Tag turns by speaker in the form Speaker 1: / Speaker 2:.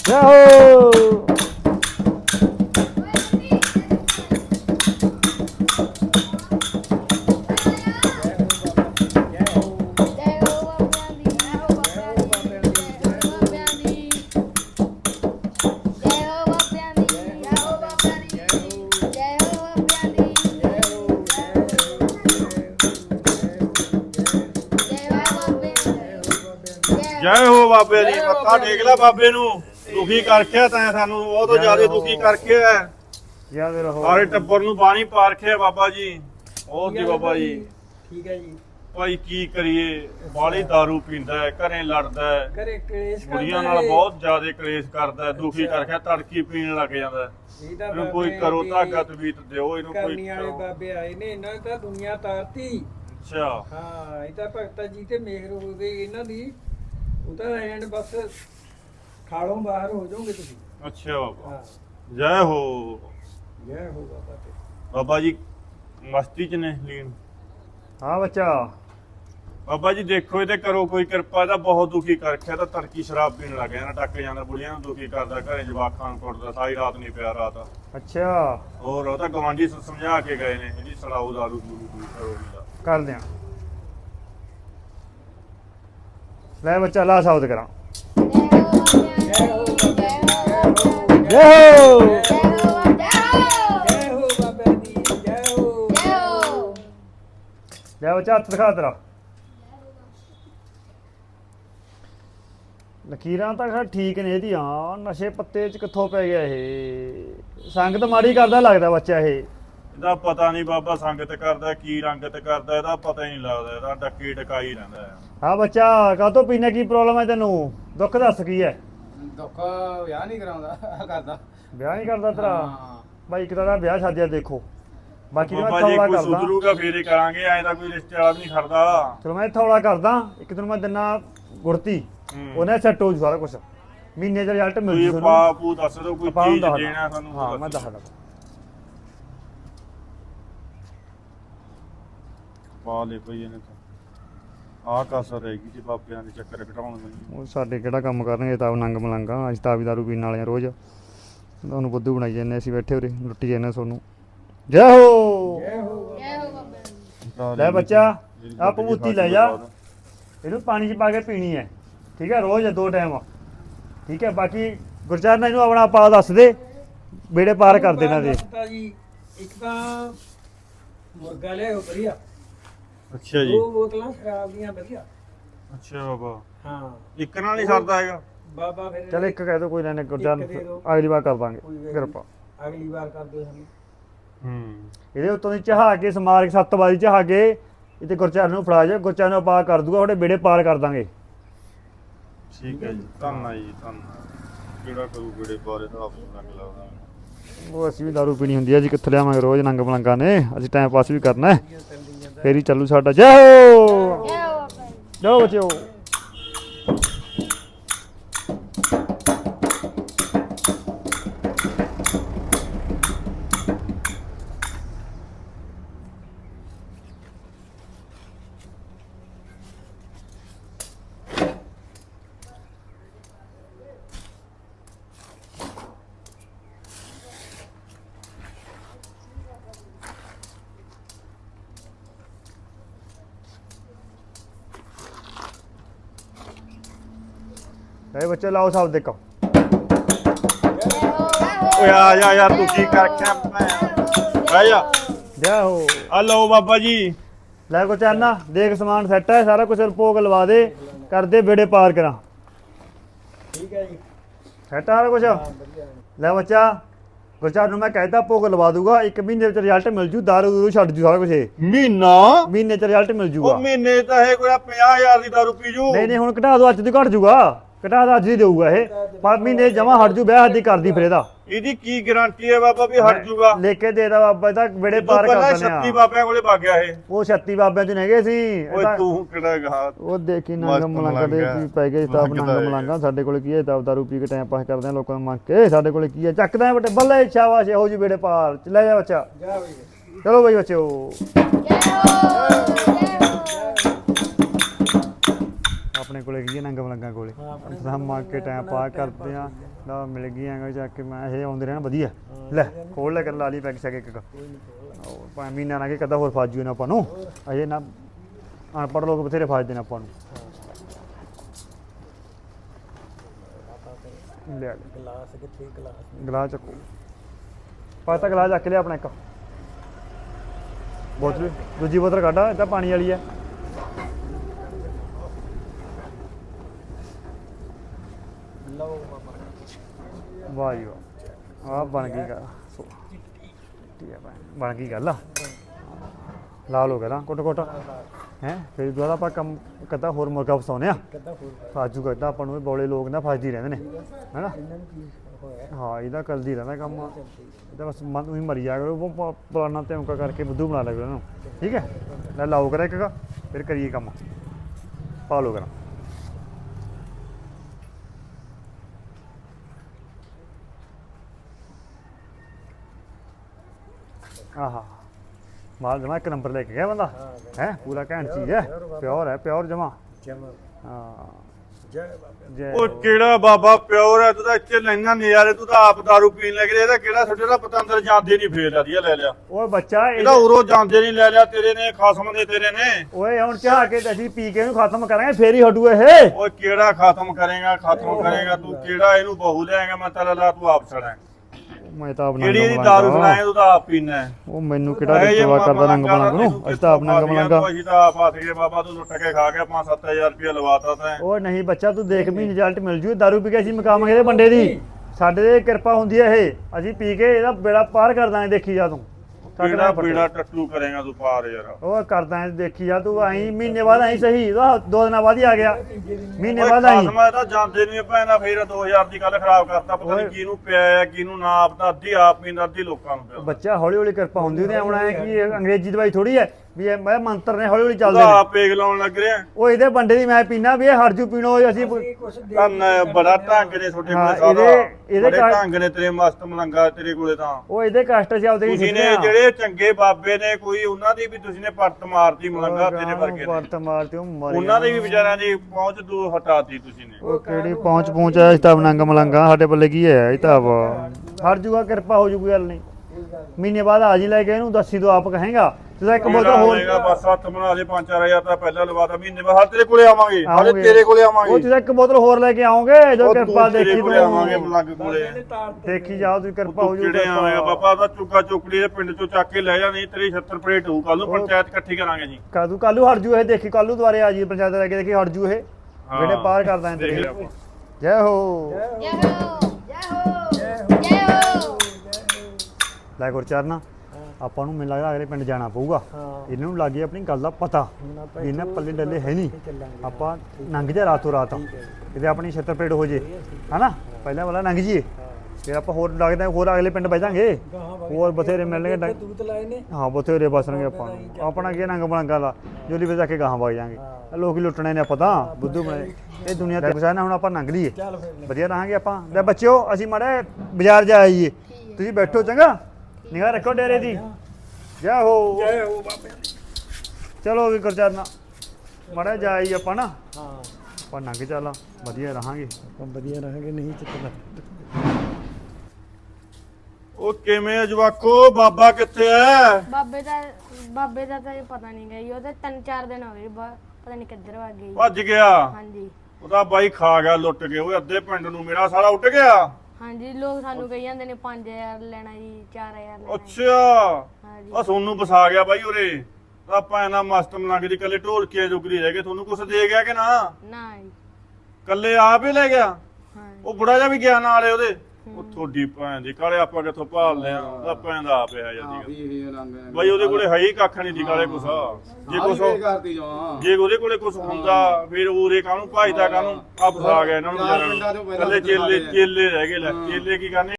Speaker 1: ਜੈ ਹੋ।
Speaker 2: ਜੈ ਹੋ ਬਾਬੇ ਦੀ। ਮੱਥਾ ਟੇਕ ਲੈ ਬਾਬੇ ਨੂੰ। ਦੁਖੀ ਕਰਕੇ ਤੈਂ ਸਾਨੂੰ ਉਹ ਤੋਂ ਜ਼ਿਆਦਾ ਦੁਖੀ ਕਰਕੇ ਹੈ।
Speaker 1: ਯਾਦ ਰਹੋ
Speaker 2: ਸਾਰੇ ਟੱਬਰ ਨੂੰ ਬਾਣੀ ਪਾ ਰੱਖਿਆ ਬਾਬਾ ਜੀ। ਉਹ ਜੀ ਬਾਬਾ ਜੀ।
Speaker 3: ਠੀਕ ਹੈ ਜੀ।
Speaker 2: ਭਾਈ ਕੀ ਕਰੀਏ, ਬਾਲੀ ਦਾਰੂ ਪੀਂਦਾ ਹੈ, ਘਰੇ ਲੜਦਾ ਹੈ,
Speaker 3: ਘਰੇ ਕਲੇਸ਼
Speaker 2: ਕੁੜੀਆਂ ਨਾਲ ਬਹੁਤ ਜ਼ਿਆਦਾ ਕਲੇਸ਼ ਕਰਦਾ ਹੈ, ਦੁਖੀ ਕਰਕੇ ਤੜਕੀ ਪੀਣ ਲੱਗ ਜਾਂਦਾ ਹੈ। ਇਹਨੂੰ ਕੋਈ ਕਰੋ ਧਾਗਾ ਤਵੀਤ ਦਿਓ ਇਹਨੂੰ ਕੋਈ
Speaker 3: ਕਰਨੀ ਵਾਲੇ ਬਾਬੇ ਆਏ ਨੇ, ਇਹਨਾਂ ਨੇ ਤਾਂ ਦੁਨੀਆ ਤਾਰਤੀ।
Speaker 2: ਅੱਛਾ
Speaker 3: ਹਾਂ, ਇਹ ਤਾਂ ਭਗਤਾਂ ਜੀ ਤੇ ਮਿਹਰ ਹੋ ਗਈ ਇਹਨਾਂ ਦੀ। ਉਹ ਤਾਂ ਐਨ ਬਸ ਖਾਲੋਂ ਬਾਹਰ ਹੋ ਜਾਓਗੇ ਤੁਸੀਂ।
Speaker 2: ਅੱਛਾ ਬਾਬਾ।
Speaker 3: ਹਾਂ,
Speaker 2: ਜੈ ਹੋ
Speaker 3: ਜੈ ਹੋ ਬਾਬਾ ਤੇ।
Speaker 2: ਬਾਬਾ ਜੀ ਮਸਤੀ ਚ ਨੇ ਲੀਨ।
Speaker 1: ਹਾਂ ਬੱਚਾ।
Speaker 2: ਬਾਬਾ ਜੀ ਦੇਖੋ ਇਹਦੇ ਕਰੋ ਕੋਈ ਕਿਰਪਾ। ਇਹਦਾ ਬਹੁਤ ਦੁਖੀ ਕਰ ਰੱਖਿਆ ਤਾਂ ਤੜਕੀ ਸ਼ਰਾਬ ਪੀਣ ਲੱਗ ਗਿਆ ਨਾ, ਟੱਕ ਜਾਂਦਾ, ਬੁੜੀਆਂ ਨੂੰ ਦੁਖੀ ਕਰਦਾ, ਘਰੇ ਜਵਾਕਾਂ ਨੂੰ ਕੁੱਟਦਾ, ਸਾਰੀ ਰਾਤ ਨਹੀਂ ਪਿਆ ਰਾਤ।
Speaker 1: ਅੱਛਾ
Speaker 2: ਹੋਰ ਉਹ ਤਾਂ ਗਵਾਂਢੀ ਸਮਝਾ ਕੇ ਗਏ ਨੇ ਇਹਦੀ ਸੜਾਉ ਦਾਰੂ ਦੂਰੂ ਕੋਈ ਕਰੋ ਦਾ।
Speaker 1: ਕਰਦੇ ਆ। ਲੈ ਬੱਚਾ ਲਾ ਸਾਉਦ ਕਰਾਂ।
Speaker 3: ਜੈ ਹੋ ਬਾਬਾ ਜੀ,
Speaker 1: ਜੈ ਹੋ।
Speaker 3: ਜੈ ਹੋ ਬਾਬਾ ਜੀ, ਜੈ ਹੋ।
Speaker 1: ਲੈ ਬੱਚਾ ਹੱਥ ਦਿਖਾ ਤੇਰਾ। ਲਕੀਰਾਂ ਤਾਂ ਖੈਰ ਠੀਕ ਨੇ ਇਹਦੀਆਂ, ਨਸ਼ੇ ਪੱਤੇ ਚ ਕਿੱਥੋਂ ਪੈ ਗਿਆ ਇਹ। ਸੰਗਤ ਮਾੜੀ ਕਰਦਾ ਲੱਗਦਾ ਬੱਚਾ ਇਹ।
Speaker 2: ਇਹਦਾ ਪਤਾ ਨਹੀਂ ਬਾਬਾ ਸੰਗਤ ਕਰਦਾ ਕੀ ਰੰਗਤ ਕਰਦਾ, ਇਹਦਾ ਪਤਾ ਹੀ ਨਹੀਂ ਲੱਗਦਾ। ਇਹਦਾ ਡੱਕੀ ਡਕਾਈ ਰਹਿੰਦਾ ਹੈ।
Speaker 1: ਹਾਂ ਬੱਚਾ, ਕਾਹਤੋਂ ਪੀਣਾ, ਕੀ ਪ੍ਰੋਬਲਮ ਹੈ ਤੈਨੂੰ? ਦੁੱਖ ਦੱਸ ਕੀ ਹੈ?
Speaker 4: ਦੁੱਖ ਵਿਆਹ ਨਹੀਂ ਕਰਾਉਂਦਾ ਕਰਦਾ।
Speaker 1: ਵਿਆਹ ਨਹੀਂ ਕਰਦਾ ਤੇਰਾ?
Speaker 4: ਹਾਂ।
Speaker 1: ਬਾਈ ਇੱਕ ਤਾਂ ਵਿਆਹ ਸ਼ਾਦੀਆਂ ਦੇਖੋ, ਬਾਕੀ ਮੈਂ
Speaker 2: ਬਾਬਾ ਜੀ
Speaker 1: ਥੋੜਾ
Speaker 2: ਕੋਈ
Speaker 1: ਕਰਦਾ।
Speaker 2: ਸੁਧਰੂਗਾ ਫੇਰ ਹੀ ਕਰਾਂਗੇ। ਐਂ ਤਾਂ ਕੋਈ ਰਿਸ਼ਤੇ ਵਾਲਾ ਵੀ ਨਹੀਂ ਖੜਦਾ।
Speaker 1: ਚਲੋ ਮੈਂ ਥੋੜਾ ਕਰਦਾ, ਇੱਕ ਦਿਨ ਮੈਂ ਦਿਨਾ ਗੁਰਤੀ, ਉਹਨੇ ਸੈੱਟ ਹੋ ਜੂ ਸਾਰਾ ਕੁਝ। ਮਹੀਨੇ ਦਾ ਰਿਜ਼ਲਟ ਮਿਲ
Speaker 2: ਕੋਈ
Speaker 1: ਜੂ
Speaker 2: ਪਾਪੂ ਦੱਸ ਦਿਓ ਕੋਈ
Speaker 1: ਆਪਾਂ ਨੂੰ
Speaker 2: ਚੀਜ਼
Speaker 1: ਦੱਸਦਾ।
Speaker 2: ਦੇਣਾ ਸਾਨੂੰ।
Speaker 1: ਹਾਂ ਮੈਂ ਦੱਸਦਾ।
Speaker 2: ਪਾ ਲੈ ਕੋਈ ਇਹਨੇ ਤਾਂ ਆਹ ਕਾਸਰ ਰਹੇਗੀ ਜੇ ਬਾਬਿਆਂ ਦੇ ਚੱਕਰ ਘਟਾਉਣ ਨੂੰ।
Speaker 1: ਉਹ ਸਾਡੇ ਕਿਹੜਾ ਕੰਮ ਕਰਨਗੇ, ਤਾਂ ਨੰਗ ਮਲੰਗਾ। ਅਸੀਂ ਤਾਂ ਵੀ ਦਾਰੂ ਪੀਣ ਵਾਲੇ ਆ ਰੋਜ਼। ਤੁਹਾਨੂੰ ਬੁੱਧੂ ਬਣਾਈ ਜਾਂਦੇ, ਅਸੀਂ ਬੈਠੇ ਉਰੇ ਲੁੱਟੀ ਜਾਂਦੇ ਤੁਹਾਨੂੰ। ਜੈ ਹੋ।
Speaker 3: ਜੈ ਹੋ ਬਾਬਾ।
Speaker 1: ਲੈ ਬੱਚਾ ਆ ਭਬੂਤੀ ਲੈ ਜਾ, ਇਹਨੂੰ ਪਾਣੀ 'ਚ ਪਾ ਕੇ ਪੀਣੀ ਹੈ, ਠੀਕ ਹੈ? ਰੋਜ਼ 2 ਟਾਈਮ, ਠੀਕ ਹੈ? ਬਾਕੀ ਗੁਰਚਰਨ ਇਹਨੂੰ ਆਪਣਾ ਪਾ ਦੱਸ ਦੇ, ਬੇੜੇ ਪਾਰ ਕਰ ਦੇਣਾ ਦੇ।
Speaker 3: ਦੱਸਤਾ ਜੀ। ਇੱਕ ਤਾਂ ਮੁਰਗਾ ਲਿਆਓ ਵਧੀਆ,
Speaker 2: ਅੱਛਾ ਜੀ।
Speaker 3: 2 ਬੋਤਲਾਂ ਸ਼ਰਾਬ ਦੀਆਂ ਵਧੀਆ।
Speaker 2: ਅੱਛਾ ਬਾਬਾ।
Speaker 3: ਹਾਂ
Speaker 2: ਇੱਕ ਨਾਲ ਨਹੀਂ ਸਰਦਾ ਹੈਗਾ।
Speaker 3: ਬਾਬਾ ਫਿਰ
Speaker 1: ਚਲ ਇੱਕ ਕਹਿ ਦੋ, ਕੋਈ ਨਾ ਗੁਰਚਰਨ,
Speaker 3: ਇੱਕ ਦੇ ਦਿਓ।
Speaker 1: ਅਗਲੀ ਵਾਰ ਕਰ ਦਾਂਗੇ
Speaker 3: ਕੋਈ ਗੱਲ ਨੀ।
Speaker 1: ਕਿਰਪਾ।
Speaker 3: ਅਗਲੀ ਵਾਰ ਕਰ ਦਿਓ ਸਾਨੂੰ।
Speaker 1: ਇਹਦੇ ਉੱਤੋਂ ਦੀ ਚਹਾ ਕੇ ਸਮਾਰ ਕੇ 7 ਵਾਰੀ ਚਹਾ ਕੇ ਇੱਥੇ ਗੁਰਚਰਨ ਨੂੰ ਫੜਾ ਜਾ, ਗੁਰਚਰਨ ਨੂੰ ਪਾ ਕਰ ਦੂਗਾ, ਤੁਹਾਡੇ ਬੇੜੇ ਪਾਰ ਕਰ ਦਾਂਗੇ।
Speaker 2: ਠੀਕ ਹੈ ਜੀ। ਧੰਨਾ ਜੀ ਧੰਨਾ। ਕਿਹੜਾ ਕਰੂ ਕਿਹੜੇ ਬਾਰੇ ਤਾਂ ਆਪ ਨੂੰ ਲੱਗ ਲੱਗਦਾ।
Speaker 1: ਉਹ ਅਸੀਂ ਵੀ ਦਾਰੂ ਪੀਣੀ ਹੁੰਦੀ ਹੈ ਜੀ, ਕਿੱਥੇ ਲਿਆਵਾਂਗੇ ਰੋਜ਼ ਨੰਗ ਮਲੰਗਾ ਨੇ। ਅਸੀਂ ਟਾਈਮ ਪਾਸ ਵੀ ਕਰਨਾ ਹੈ, ਫੇਰ ਹੀ ਚੱਲੂ ਸਾਡਾ। ਜੈ ਹੋ। ਜਾਓ ਬੱਚਿਓ। ਇਹ ਬੱਚੇ ਲਾਓ ਸਭ ਦੇ ਕੰਮ।
Speaker 2: ਓਏ ਆ ਜਾ ਯਾਰ, ਤੂੰ ਕੀ ਕਰ ਰੱਖਿਆ? ਬਹਿ ਜਾ।
Speaker 1: ਜੈ ਹੋ।
Speaker 2: ਆ ਲਓ ਬਾਬਾ ਜੀ।
Speaker 1: ਲੈ ਗੁਰਚਰਨ ਦੇਖ, ਸਮਾਨ ਸੈੱਟ ਹੈ ਸਾਰਾ ਕੁਝ, ਭੋਗ ਲਵਾ ਦੇ, ਕਰਦੇ ਬੇੜੇ ਪਾਰ ਕਰਾਂ।
Speaker 3: ਠੀਕ ਹੈ ਜੀ।
Speaker 1: ਸੈੱਟ ਆ ਕੁਝ?
Speaker 3: ਹਾਂ ਵਧੀਆ।
Speaker 1: ਲੈ ਬੱਚਾ, ਗੁਰਚਰਨ ਨੂੰ ਮੈਂ ਕਹਿਤਾ ਭੋਗ ਲਵਾ ਦੂਗਾ, 1 ਮਹੀਨੇ ਵਿੱਚ ਰਿਜ਼ਲਟ ਮਿਲ ਜੂ, ਦਾਰੂ ਦੂਰੂ ਛੱਡ ਜੂ ਸਾਰਾ ਕੁਝ।
Speaker 2: ਮਹੀਨਾ?
Speaker 1: ਮਹੀਨੇ ਚ ਰਿਜ਼ਲਟ ਮਿਲ ਜੂਗਾ।
Speaker 2: ਉਹ ਮਹੀਨੇ ਤਾਂ ਇਹ ਕੋਈ 50,000 ਦੀ ਦਾਰੂ ਪੀ ਜੂ।
Speaker 1: ਨਹੀਂ ਹੁਣ ਘਟਾ ਦੋ, ਅੱਜ ਦੀ ਘਟ ਜੂਗਾ, ਘਟਾ ਦਾ ਅੱਜ ਹੀ ਦੇਊਗਾ ਇਹ, ਪਰ ਮਹੀਨੇ ਜਮਾ ਹਟ ਜੂ, ਵਿਆਹ ਹੱਦੀ ਕਰਦੀ ਫਿਰ ਇਹਦਾ।
Speaker 2: ਇਹਦੀ ਕੀ ਗਾਰੰਟੀ ਹੈ ਬਾਬਾ ਵੀ ਹਟ ਜੂਗਾ?
Speaker 1: ਲੈ ਕੇ ਦੇਦਾ ਬਾਬਾ, ਇਹਦਾ ਬੇੜੇ ਪਾਰ ਕਰ ਦਿੰਦੇ
Speaker 2: 36
Speaker 1: ਆ।
Speaker 2: ਬਾਬਿਆਂ ਕੋਲੇ ਵਗ ਗਿਆ ਇਹ।
Speaker 1: ਉਹ 36 ਬਾਬਿਆਂ ਚ ਹੈਗੇ ਸੀ।
Speaker 2: ਓਏ ਤੂੰ ਕਿਹੜਾ ਗਾ?
Speaker 1: ਉਹ ਦੇਖੀ ਨੰਗ
Speaker 2: ਮਸਤ
Speaker 1: ਮਲੰਗਾ ਦੇ
Speaker 2: ਮਲੰਗਾ।
Speaker 1: ਕੀ ਪੈ ਗਏ, ਤਾਂ
Speaker 2: ਮਲੰਗ
Speaker 1: ਨੰਗ
Speaker 2: ਤਾਂ
Speaker 1: ਮਲੰਗਾ। ਸਾਡੇ ਕੋਲ ਕੀ ਹੈ, ਤਾਂ ਦਾਰੂ ਪੀ ਕੇ ਟਾਈਮ ਪਾਸ ਕਰਦੇ ਆ ਲੋਕਾਂ ਨੂੰ ਮੰਗ ਕੇ। ਸਾਡੇ ਕੋਲ ਕੀ ਹੈ, ਚੱਕਦਾ ਬਟੇ ਬੱਲੇ, ਸ਼ਾਬਾਸ਼, ਇਹੋ ਜੀ ਬੇੜੇ ਪਾਰ। ਲੈ ਜਾ ਬੱਚਾ,
Speaker 3: ਜਾ ਬਈ।
Speaker 1: ਚਲੋ ਬਈ ਬੱਚਿਓ। ਆਪਣੇ ਕੋਲੇ ਗਈ ਨੰਗ ਮਲੰਗਾ ਕੋਲੇ
Speaker 3: ਹਾਂ, ਆਪਣੇ
Speaker 1: ਤਾਂ ਮੰਗ ਕੇ ਟਾਈਮ ਪਾ ਕਰਦੇ ਆ ਨਾ ਮਿਲ ਗਈਆਂ ਜਾ ਕੇ ਮੈਂ ਇਹ ਆਉਂਦੇ ਰਹਿਣ ਵਧੀਆ ਲੈ ਖੋਲ ਲੈ ਕਰ ਲਾ ਲਈ ਪੈਕ ਸਕੇ ਇੱਕ ਉਹ ਭਾਵੇਂ ਮਹੀਨਾ ਨਾ ਕਿ ਕਦਾ ਹੋਰ ਫਾਜੂ ਨਾ ਆਪਾਂ ਨੂੰ ਅਜੇ ਨਾ ਅਨਪੜ੍ਹ ਲੋਕ ਬਥੇਰੇ ਫਾਜਦੇ ਨੇ ਆਪਾਂ ਨੂੰ ਲੈ ਲੈ
Speaker 3: ਗਲਾਸ ਕਿੱਥੇ ਗਲਾਸ
Speaker 1: ਗਲਾਸ ਚੱਕੋ ਪਾਤਾ ਗਲਾਸ ਚੱਕ ਲਿਆ ਆਪਣਾ ਇੱਕ ਬੋਤਲ ਦੂਜੀ ਬੋਤਲ ਕੱਢਾ ਇਹ ਤਾਂ ਪਾਣੀ ਵਾਲੀ ਆ
Speaker 3: ਲਓ ਬਾਬਾ
Speaker 1: ਵਾਹ ਜੀ ਵਾਹ ਆਹ ਬਣ ਗਈ ਗੱਲ ਠੀਕ ਹੈ ਬਣ ਗਈ ਗੱਲ ਲਾ ਲੋ ਕਰਾਂ ਕੁੱਟ ਕੁੱਟ ਹੈ ਫਿਰ ਦੁਬਾਰਾ ਆਪਾਂ ਕੰਮ ਕਦਾ ਹੋਰ ਮੁਰਗਾ ਫਸਾਉਨੇ ਆ
Speaker 3: ਕਿੱਦਾਂ ਹੋਰ
Speaker 1: ਫਾਜੂ ਕਰਦਾ ਆਪਾਂ ਨੂੰ ਇਹ ਬੌਲੇ ਲੋਕ ਨਾ ਫਸਦੀ ਰਹਿੰਦੇ ਨੇ ਹੈਨਾ
Speaker 3: ਇਹਨਾਂ ਨੂੰ ਕੀ ਹੋਇਆ
Speaker 1: ਹਾਂ ਇਹਦਾ ਕਰਦੀ ਰਹਿੰਦਾ ਕੰਮ ਇਹਦਾ ਬਸ ਮਨ ਨੂੰ ਹੀ ਮਰੀ ਜਾ ਕਰੋ ਉਹ ਪੁਰਾਣਾ ਧਮਕਾ ਕਰਕੇ ਬੁੱਧੂ ਬਣਾ ਲਿਆ ਉਹਨੂੰ ਠੀਕ ਹੈ ਲੈ ਲਾਓ ਕਰਾਂ ਇੱਕ ਫਿਰ ਕਰੀਏ ਕੰਮ ਪਾ ਲੋ ਕਰਾਂ ਆਹਾ ਮਾਲ ਜਮਾ ਇੱਕ ਨੰਬਰ ਲੈ ਕੇ ਗਿਆ ਬੰਦਾ ਹੈ ਪੂਰਾ ਘੈਂਟ ਚੀਜ਼ ਹੈ ਪਿਓਰ ਜਮਾ
Speaker 3: ਜਮਾ
Speaker 1: ਹਾਂ
Speaker 3: ਜੈ ਬਾਬਾ
Speaker 1: ਜੈ
Speaker 2: ਉਹ ਕਿਹੜਾ ਬਾਬਾ ਪਿਓਰ ਹੈ ਤੂੰ ਤਾਂ ਇੱਥੇ ਲੈਣਾ ਨਜ਼ਾਰੇ ਤੂੰ ਤਾਂ ਆਪ ਦਾਰੂ ਪੀਣ ਲੱਗ ਰਿਹਾ ਇਹਦਾ ਕਿਹੜਾ ਛੱਡੇ ਦਾ ਪਤੰਦਰ ਜਾਂਦੇ ਨਹੀਂ ਫੇਰ ਵਧੀਆ ਲੈ ਲਿਆ
Speaker 1: ਓਏ ਬੱਚਾ
Speaker 2: ਇਹਦਾ ਉਰੋਂ ਜਾਂਦੇ ਨਹੀਂ ਲੈ ਲਿਆ ਤੇਰੇ ਨੇ ਖਸਮ ਦੇ ਤੇਰੇ ਨੇ
Speaker 1: ਓਏ ਹੁਣ ਚਾਹ ਕੇ ਅਸੀਂ ਪੀ ਕੇ ਇਹਨੂੰ ਖਤਮ ਕਰਾਂਗੇ ਫੇਰ ਹੀ ਹਟੂ ਇਹ
Speaker 2: ਓਏ ਕਿਹੜਾ ਖਤਮ ਕਰੇਗਾ ਤੂੰ ਕਿਹੜਾ ਇਹਨੂੰ ਬਹੂ ਲਿਆਏਗਾ ਮੈਂ ਤੇਰਾ ਲਾ ਤੂੰ ਆਪ ਛੜਾਂ
Speaker 1: ਮੈਂ ਤਾਂ ਆਪਣਾ
Speaker 2: ਕਿਹੜੀ ਦੀ ਦਾਰੂ ਸੁਣਾਏ ਤੂੰ ਤਾਂ ਆਪ ਪੀਣਾ
Speaker 1: ਉਹ ਮੈਨੂੰ ਕਿਹੜਾ ਰਿਸ਼ਤੇਵਾ ਕਰਦਾ ਰੰਗ ਬਣਾ ਨੂੰ ਅਸੀਂ ਤਾਂ ਆਪਣਾ ਰੰਗ ਬਣਾ
Speaker 2: ਅਸੀਂ ਤਾਂ ਆਪ ਹੱਥ ਗਏ ਬਾਬਾ ਤੂੰ ਲੁੱਟ ਕੇ ਖਾ ਗਿਆ 5-7000 ਰੁਪਇਆ ਲਵਾਤਾ ਤੈਂ
Speaker 1: ਓਏ ਨਹੀਂ ਬੱਚਾ ਤੂੰ ਦੇਖ ਵੀ ਰਿਜ਼ਲਟ ਮਿਲ ਜੂ ਦਾਰੂ ਪੀ ਕੇ ਅਸੀਂ ਮਕਾਵਾਂਗੇ ਇਹਦੇ ਬੰਦੇ ਦੀ ਸਾਡੇ ਤੇ ਕਿਰਪਾ ਹੁੰਦੀ ਹੈ ਇਹ ਅਸੀਂ ਪੀ ਕੇ ਇਹਦਾ ਬੇੜਾ ਪਾਰ ਕਰ ਦਾਂਗੇ ਦੇਖੀ ਜਾ ਤੂੰ
Speaker 2: ਕਿਹੜਾ ਪੀੜਾ ਟੱਟੂ ਕਰੇਗਾ ਤੂੰ ਪਾਰ ਯਾਰ
Speaker 1: ਉਹ ਕਰਦਾ ਦੇਖੀ ਜਾ ਤੂੰ ਆਈ ਮਹੀਨੇ ਬਾਅਦ ਆਈ ਸਹੀ ਉਹਦਾ 2 ਦਿਨਾਂ ਬਾਅਦ ਹੀ ਆ ਗਿਆ ਮਹੀਨੇ ਬਾਅਦ ਆਈ
Speaker 2: ਮੈਂ ਤਾਂ ਜਾਂਦੇ ਨਹੀਂ ਭੈਣਾ ਫੇਰ 2000 ਦੀ ਗੱਲ ਖਰਾਬ ਕਰਤਾ ਪਤਾ ਨਹੀਂ ਕਿਹਨੂੰ ਪਿਆ ਹੈ ਕਿਹਨੂੰ ਨਾ ਆਪਦਾ ਅੱਧੀ ਆਪ ਪੀਂਦਾ ਅੱਧੀ ਲੋਕਾਂ ਨੂੰ ਪਿਆ
Speaker 1: ਬੱਚਾ ਹੌਲੀ ਹੌਲੀ ਕਿਰਪਾ ਹੁੰਦੀ ਉਹਨੇ ਆਉਣਾ ਹੈ ਕਿ ਇਹ ਅੰਗਰੇਜ਼ੀ ਦਵਾਈ ਥੋੜੀ ਹੈ ਵੀ ਇਹ ਮੈਂ ਮੰਤਰ ਨੇ ਹੌਲੀ ਹੌਲੀ ਚੱਲਦੇ
Speaker 2: ਉਹਦਾ
Speaker 1: ਨੇ
Speaker 2: ਆਪ ਪੇਗ ਲਾਉਣ ਲੱਗ ਰਿਹਾ
Speaker 1: ਉਹ ਇਹਦੇ ਬੰਦੇ ਦੀ ਮੈਂ ਪੀਣਾ ਵੀ ਇਹ ਹਟ ਜੂ ਪੀਣੋ ਅਸੀਂ
Speaker 3: ਕੁਛ ਦੇ
Speaker 2: ਕੰਨ ਬੜਾ ਢੰਗ ਨੇ ਤੁਹਾਡੇ
Speaker 1: ਹਾਂ,
Speaker 2: ਕੋਲੇ ਸਾਰਾ
Speaker 1: ਇਹਦੇ
Speaker 2: ਬੜੇ
Speaker 1: ਘਰ-
Speaker 2: ਢੰਗ ਨੇ ਤੇਰੇ ਮਸਤ ਮਲੰਗਾ ਤੇਰੇ ਕੋਲੇ ਤਾਂ
Speaker 1: ਉਹ ਇਹਦੇ ਕਸ਼ਟ ਸੀ ਆਪਦੇ
Speaker 2: ਤੁਸੀਂ ਨੇ ਜਿਹੜੇ ਚੰਗੇ ਬਾਬੇ ਨੇ ਕੋਈ ਉਹਨਾਂ ਦੀ ਵੀ ਤੁਸੀਂ ਨੇ ਪੱਟ ਮਾਰਤੀ ਮਲੰਗਾ ਤੇਰੇ ਵਰਗੇ ਨੇ
Speaker 1: ਪਰਤ ਮਾਰਤੇ ਉਹ ਮਰ
Speaker 2: ਉਹਨਾਂ ਦੀ ਵੀ ਵਿਚਾਰਿਆਂ ਦੀ ਪਹੁੰਚ ਦੂਰ ਹਟਾਤੀ ਤੁਸੀਂ ਨੇ
Speaker 1: ਉਹ ਕਿਹੜੀ ਪਹੁੰਚ ਆ ਇਸ ਤਾਂ ਨੰਗ ਮਲੰਗਾ ਸਾਡੇ ਪੱਲੇ ਕੀ ਹੈ ਇਹ ਤਾਂ ਹਰ ਜੂਗਾ ਕਿਰਪਾ ਹੋ ਜੂਗੀ ਗੱਲ ਨਹੀਂ ਮਹੀਨੇ ਬਾਅਦ ਆ ਜੀ ਲੈ ਕੇ ਇਹਨੂੰ ਦੱਸੀ ਤੂੰ ਆਪ ਕਹੇਗਾ ਤੂੰ ਤਾਂ ਇੱਕ ਬੋਤਲ ਹੋਰ
Speaker 2: ਹੋਏਗਾ ਬਸ ਹੱਥ ਬਣਾ ਦੇ 5-4000 ਤਾਂ ਪਹਿਲਾਂ ਲਵਾਤਾ ਮਹੀਨੇ ਬਾਅਦ ਹਰ ਤੇਰੇ ਕੋਲੇ ਆਵਾਂਗੇ ਹਾਲੇ
Speaker 1: ਆਵਾਂਗੇ।
Speaker 2: ਤੇਰੇ ਕੋਲੇ
Speaker 1: ਉਹ
Speaker 2: ਆਵਾਂਗੇ
Speaker 1: ਤੂੰ ਤਾਂ ਇੱਕ ਬੋਤਲ ਹੋਰ ਲੈ ਕੇ ਆਉਂਗੇ ਜੋ
Speaker 2: ਉਹ
Speaker 1: ਕਿਰਪਾ
Speaker 2: ਤੂੰ ਤੇਰੇ
Speaker 1: ਦੇਖੀ
Speaker 2: ਕੋਲੇ ਆਵਾਂਗੇ
Speaker 1: ਤੂੰ
Speaker 2: ਮਲੰਗ ਕੋਲੇ
Speaker 1: ਦੇਖੀ ਜਾਓ ਤੂੰ ਕਿਰਪਾ ਹੋ
Speaker 2: ਤੂੰ
Speaker 1: ਜੂ
Speaker 2: ਕਿਹੜੇ ਆਵੇਂਗਾ ਬਾਬਾ ਦਾ ਚੁੱਕਾ ਚੁੱਕੜੀ ਦੇ ਪਿੰਡ ਚੋਂ ਚੱਕ ਕੇ ਲੈ ਜਾ ਨਹੀਂ ਤੇਰੀ 76 ਪਲੇਟ ਹੋਊ ਕੱਲ ਨੂੰ ਪੰਚਾਇਤ ਇਕੱਠੀ ਕਰਾਂਗੇ ਜੀ
Speaker 1: ਕਾਦੂ ਕੱਲੂ ਹਟ ਜੂ ਇਹ ਦੇਖੀ ਕੱਲੂ ਦੁਆਰੇ ਆ ਜੀ ਪੰਚਾਇਤ ਲੈ ਕੇ ਦੇਖੀ ਹਟ ਜੂ ਇਹ ਜਿਹੜੇ ਪਾਰ ਕਰਦਾ ਹੈ
Speaker 2: ਦੇਖ
Speaker 1: ਤੇਰੇ
Speaker 2: ਲਿਆ ਆਪਾਂ।
Speaker 1: ਜੈ ਹੋ
Speaker 5: ਜੈ ਹੋ ਜੈ ਹੋ ਜੈ ਹੋ
Speaker 1: ਲੈ ਗੁਰਚਰਨ ਆਪਾਂ ਨੂੰ ਮੈਨੂੰ ਲੱਗਦਾ ਅਗਲੇ ਪਿੰਡ ਜਾਣਾ ਪਊਗਾ ਇਹਨਾਂ ਨੂੰ ਲੱਗੇ ਆਪਣੀ ਗੱਲ ਦਾ ਪਤਾ ਵੀ ਇਹਨਾਂ ਪੱਲੇ ਡੱਲੇ ਹੈ ਨਹੀਂ ਆਪਾਂ ਲੰਘ ਜਾ ਰਾਤੋਂ ਰਾਤ ਇਹਦੇ ਆਪਣੀ 76 ਪਲੇਟ ਹੋ ਜੇ ਹਨਾ ਪਹਿਲਾਂ ਵਾਲਾ ਲੰਘ ਜੀਏ ਫਿਰ ਆਪਾਂ ਹੋਰ ਲੱਗਦਾ ਹੋਰ ਅਗਲੇ ਪਿੰਡ ਬਹਿ ਜਾਾਂਗੇ ਹੋਰ ਬਥੇਰੇ ਮਿਲਣਗੇ
Speaker 3: ਦੂਤ ਲਾਏ ਨੇ
Speaker 1: ਹਾਂ ਬਥੇਰੇ ਬਸਣਗੇ ਆਪਾਂ ਨੂੰ ਆਪਣਾ ਕੀ ਨੰਗ ਬਣਾਗਾ ਲਾ ਜੋਲੀ ਵੇ ਜਾ ਕੇ ਗਾਹਾਂ ਵਗ ਜਾਾਂਗੇ ਲੋਕੀ ਲੁੱਟਣੇ ਨੇ ਪਤਾ ਬੁੱਧੂ ਬਣੇ ਇਹ ਦੁਨੀਆ ਤੇ ਬਸਾਨਾ ਹੁਣ ਆਪਾਂ ਲੰਘ ਲਈਏ
Speaker 3: ਚੱਲ ਫਿਰ
Speaker 1: ਵਧੀਆ ਰਹਾਂਗੇ ਆਪਾਂ ਲੈ ਬੱਚਿਓ ਅਸੀਂ ਮਾੜਾ ਬਾਜ਼ਾਰ ਜਾ ਆਈਏ ਤੁਸੀਂ ਬੈਠੋ ਚੰਗਾ ਨਿਗਾਹ ਰੱਖੋ ਡੇਰੇ ਦੀ ਜੈ ਹੋ
Speaker 3: ਜੈ ਹੋ ਬਾਬੇ ਦੀ।
Speaker 1: ਚਲੋ ਵੀ ਗੁਰਚਰਨ ਮਾੜਾ ਜਾ ਆਈਏ ਆਪਾਂ ਨਾ
Speaker 3: ਹਾਂ
Speaker 1: ਆਪਾਂ ਲੰਘ ਚੱਲਾਂ ਵਧੀਆ ਰਹਾਂਗੇ
Speaker 3: ਆਪਾਂ ਵਧੀਆ ਰਹਾਂਗੇ ਨਹੀਂ ਚਿੱਤਨਾ
Speaker 2: ਉਹ ਕਿਵੇਂ ਆ ਜਵਾਕੋ ਬਾਬਾ ਕਿੱਥੇ ਐ
Speaker 5: ਬਾਬੇ ਦਾ ਤਾਂ ਪਤਾ ਨਹੀਂ ਗਈ ਉਹ ਤਾਂ 3-4 ਦਿਨ ਹੋ ਗਏ ਪਤਾ ਨਹੀਂ ਕਿੱਧਰ ਵਗ ਗਈ
Speaker 2: ਭੱਜ ਗਿਆ
Speaker 5: ਹਾਂਜੀ
Speaker 2: ਉਹਦਾ ਬਾਈ ਖਾ ਗਿਆ ਲੁੱਟ ਕੇ ਉਹ ਅੱਧੇ ਪਿੰਡ ਨੂੰ ਮੇਰਾ ਸਾਲਾ ਉੱਡ ਗਿਆ
Speaker 5: ਹਾਂਜੀ ਲੋਕ ਸਾਨੂੰ ਕਹੀ ਜਾਂਦੇ ਨੇ 5000 ਲੈਣਾ ਜੀ 4000 ਲੈਣਾ ਜੀ।
Speaker 2: ਅੱਛਾ
Speaker 5: ਹਾਂਜੀ
Speaker 2: ਆ ਸੋਨੂੰ ਫਸਾ ਗਿਆ ਬਾਈ ਉਰੇ ਆਪਾਂ ਇਹਨਾਂ ਮਸਤ ਮਲੰਗ ਦੀ ਕੱਲੇ ਢੋਲਕੀਆਂ ਜੁਗਰੀ ਰਹਿ ਗਏ ਤੁਹਾਨੂੰ ਕੁਛ ਦੇ ਗਿਆ ਕਿ ਨਾ
Speaker 5: ਨਾ ਜੀ
Speaker 2: ਕੱਲੇ ਆਪ ਹੀ ਲੈ ਗਿਆ
Speaker 5: ਹਾਂਜੀ
Speaker 2: ਉਹ ਬੁੜਾ ਜਿਹਾ ਵੀ ਗਿਆ ਨਾਲੇ ਉਹਦੇ ਉਹ ਤੁਹਾਡੀ ਭੈਣ ਦੀ ਕਾਲੇ ਆਪਾਂ ਕਿੱਥੋਂ ਭਾਲਦੇ ਆ ਉਹਦਾ ਪੈਂਦਾ ਆ ਪਿਆ
Speaker 4: ਹਾਂ
Speaker 2: ਜਾਂਦੀ
Speaker 4: ਵੀ ਇਹ ਰੰਗ
Speaker 2: ਬਾਈ ਉਹਦੇ ਕੋਲੇ ਹੈ ਹੀ ਕੱਖ ਨਹੀਂ ਦੀ ਕਾਲੇ ਕੁਛ ਜੇ ਕੁਛ
Speaker 4: ਕਰਦੀ ਜਾਵਾਂ
Speaker 2: ਜੇ ਉਹਦੇ ਕੋਲੇ ਕੁਛ ਹੁੰਦਾ ਫਿਰ ਉਰੇ ਕਾਹਨੂੰ ਭਾਈਦਾ ਕਾਹਨੂੰ ਆ ਫਸਾ ਗਿਆ ਇਹਨਾਂ ਨੂੰ
Speaker 4: ਚਾਰ ਪਿੰਡਾਂ ਚੋਂ ਪਹਿਲਾਂ
Speaker 2: ਕੱਲੇ
Speaker 4: ਉੱਧਰ
Speaker 2: ਚੇਲੇ
Speaker 4: ਫਸ ਗਏ।
Speaker 2: ਚੇਲੇ ਰਹਿ ਗਏ ਲੈ ਚੇਲੇ ਕੀ ਕਰਨੇ